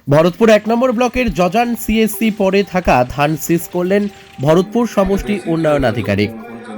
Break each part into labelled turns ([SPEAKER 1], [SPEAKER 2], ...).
[SPEAKER 1] ভরতপুর ১ নম্বর ব্লকের জজান সিএসসি পরে থাকা ধান সিজ করলেন ভরতপুর সমষ্টি উন্নয়ন আধিকারিক।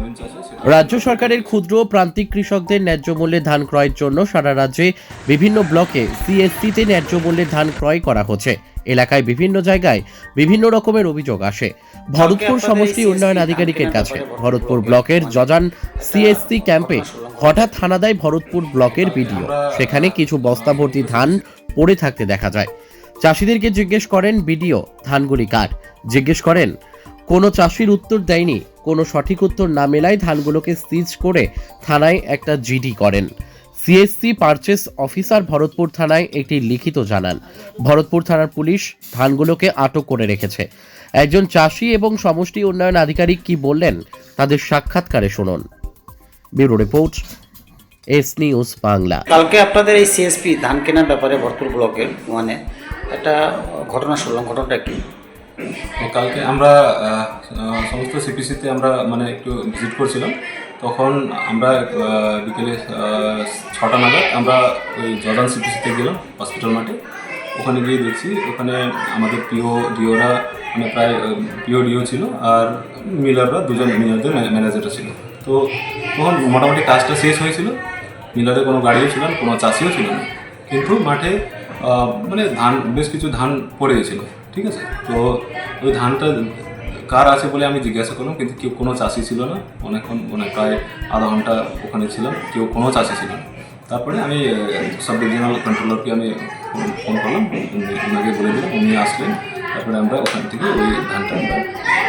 [SPEAKER 1] রাজ্য সরকারের ক্ষুদ্র ও প্রান্তিক কৃষকদের ন্যায্য মূল্যে ধান ক্রয়ের জন্য সারা রাজ্যে বিভিন্ন ব্লকে সিএসসিতে ন্যায্য মূল্যে ধান ক্রয় করা হচ্ছে। এলাকায় বিভিন্ন জায়গায় বিভিন্ন রকমের অভিযোগ আসে ভরতপুর সমষ্টি উন্নয়ন আধিকারিকের কাছে। ভরতপুর ব্লকের জজান সিএসসি ক্যাম্পে হঠাৎ হানা দেয় ভরতপুর ব্লকের বিডিও। সেখানে কিছু বস্তা ভর্তি ধান পড়ে থাকতে দেখা যায়। চাষিদেরকে জিজ্ঞেস করেন বিডিও ধানগুলি কার। জিজ্ঞেস করেন, কোনো চাষির উত্তর দেয়নি। কোনো সঠিক উত্তর না মেলায় ধানগুলোকে সিজ করে থানায় একটা জিডি করেন। সিএসসি পারচেস অফিসার ভরতপুর থানায় একটি লিখিত জানান। ভরতপুর থানার পুলিশ ধানগুলোকে আটক করে রেখেছে। একজন চাষি এবং সমষ্টি উন্নয়ন আধিকারিক কি বললেন তাদের সাক্ষাৎকারে শুনুন। Bureau report, S news Bangla.
[SPEAKER 2] কালকে আপনাদের এই সিএসপি ধান কেনার ব্যাপারে ভরতপুর ব্লকের একটা ঘটনা শুনলাম, ঘটনাটা কি?
[SPEAKER 3] কালকে আমরা সমস্ত সিপিসিতে আমরা একটু ভিজিট করছিলাম। তখন আমরা বিকেলে 6টা নাগাদ আমরা ওই জজান সিপিসিতে গেলাম হসপিটাল মাঠে। ওখানে গিয়ে দেখছি ওখানে আমাদের ডিওরা প্রায় ডিও ছিল, আর মিলাররা মিলারদের ম্যানেজাররা ছিল। তো তখন মোটামুটি কাজটা শেষ হয়েছিল। মিলারে কোনো গাড়িও ছিল না, কোনো চাষিও ছিল না, কিন্তু মাঠে ধান, বেশ কিছু ধান পড়ে গেছিলো। ঠিক আছে, তো ওই ধানটা কার আছে বলে আমি জিজ্ঞাসা করলাম, কিন্তু কেউ কোনো চাষি ছিল না। অনেকক্ষণ প্রায় আধা ঘন্টা ওখানে ছিলাম, কোনো চাষি ছিল না। তারপরে আমি সাব ডিভিশনাল কন্ট্রোলারকে আমি ফোন করলাম, ওনাকে বলে দিলাম, উনি আসলেন। তারপরে আমরা ওখান থেকে ওই ধানটা আমরা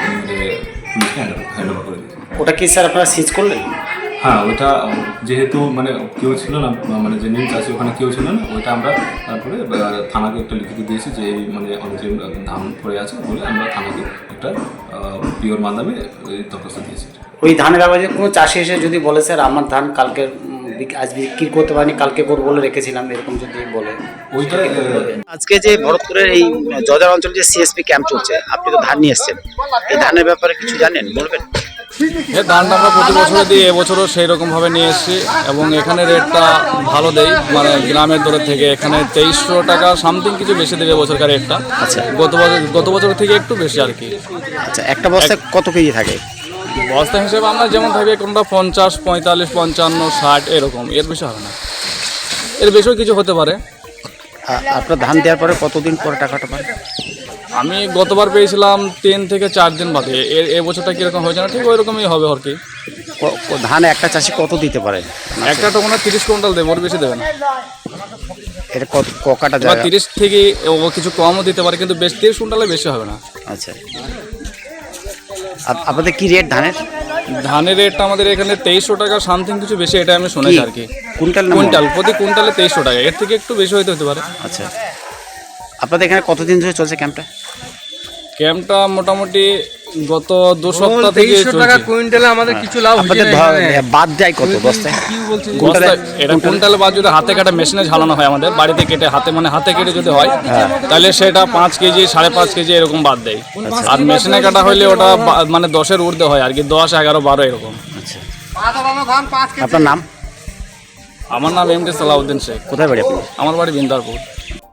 [SPEAKER 3] পুলিশকে হ্যান্ড ওভার করে দিই।
[SPEAKER 2] ওটা কি স্যার আপনারা সিজ করলেন?
[SPEAKER 3] হ্যাঁ, ওইটা যেহেতু কেউ ছিল না, যে নীল চাষি ওখানে কেউ ছিল না, ওইটা আমরা তারপরে থানাকে একটা লিখিত দিয়েছি যে অনেক ধান পড়ে আছে বলে আমরা থানাকে একটা পিওর মাধ্যমে দরখাস্ত দিয়েছি।
[SPEAKER 2] ওই ধানের ব্যাপারে কোনো চাষি এসে যদি বলে স্যার আমার ধান কালকে আজ বিক্রি করতে পারিনি, কালকে করবো বলে রেখেছিলাম, এরকম যদি বলে,
[SPEAKER 3] ওইটা
[SPEAKER 2] আজকে যে ভরতপুরের এই জজার অঞ্চলে যে সিএসপি ক্যাম্প চলছে, আপনি তো ধান নিয়ে এসছেন, এই ধানের ব্যাপারে কিছু জানেন, বলবেন?
[SPEAKER 4] এই ধানটা আমরা প্রতি বছরে দিই, এবছরও সেই রকমভাবে নিয়ে এসেছি এবং এখানে রেটটা ভালো দেই, গ্রামের দরের থেকে এখানে 2300 টাকা সামথিং কিছু বেশি দেবে বছরকার রেটটা।
[SPEAKER 2] আচ্ছা,
[SPEAKER 4] গত বছর থেকে একটু বেশি আর কি।
[SPEAKER 2] আচ্ছা, একটা বস্তায় কত কেজি থাকে?
[SPEAKER 4] বস্তা হিসেবে আমরা যেমন থাকি কোনটা 50, 45, 55, 60 এরকম, এর বেশি হবে না, এর বেশিও কিছু হতে পারে।
[SPEAKER 2] আপনার ধান দেওয়ার পরে কতদিন পরে টাকাটা পান?
[SPEAKER 4] আমি গতবার পেয়েছিলাম 3 থেকে 4 দিন বাদে। এবছরটা কীরকম হয়েছে না ঠিক ওই রকমই হবে আর কি।
[SPEAKER 2] ধান একটা চাষি কত দিতে পারে?
[SPEAKER 4] একটা টোকনা 30 কুইন্টাল দেবে, ওর বেশি দেবে না।
[SPEAKER 2] এটা কটা
[SPEAKER 4] 30 থেকে ও কিছু কমও দিতে পারে, কিন্তু 30 কুইন্টালে বেশি হবে না।
[SPEAKER 2] আচ্ছা, আপনাদের কি রেট ধানের?
[SPEAKER 4] ধানের রেটটা আমাদের এখানে 2300 টাকা সামথিং কিছু বেশি, এটা আমি শুনেছি আর কি। কুইন্টাল প্রতি কুইন্টালে 2300 টাকা, এর থেকে একটু বেশি হতে পারে।
[SPEAKER 2] আচ্ছা, আপনাদের এখানে কতদিন ধরে চলছে
[SPEAKER 4] ক্যাম্পটা? মোটামুটি গত 2 সপ্তাহ থেকে চলছে।
[SPEAKER 5] কুইন্টালে আমাদের কিছু লাভ হচ্ছে না।
[SPEAKER 2] বাদ দেয় কত বস্তায়?
[SPEAKER 4] এটা কুইন্টালে বাদ যদি হাতে কাটা মেশিনে ঝালানো হয়, আমাদের বাড়িতে কেটে হাতে কেটে যদি হয় তাহলে সেটা 5 কেজি 5.5 কেজি এরকম বাদ দেয়। আর মেশিনে কাটা হইলে ওটা 10-এর ঊর্ধ্বে হয় আর কি, 10, 11, 12 এরকম।
[SPEAKER 2] আচ্ছা, আপনার নাম?
[SPEAKER 4] আমার নাম এমডি সালাউদ্দিন শেখ।
[SPEAKER 2] কোথায় বাড়ি আপনার?
[SPEAKER 4] আমার বাড়ি বিন্দারপুর।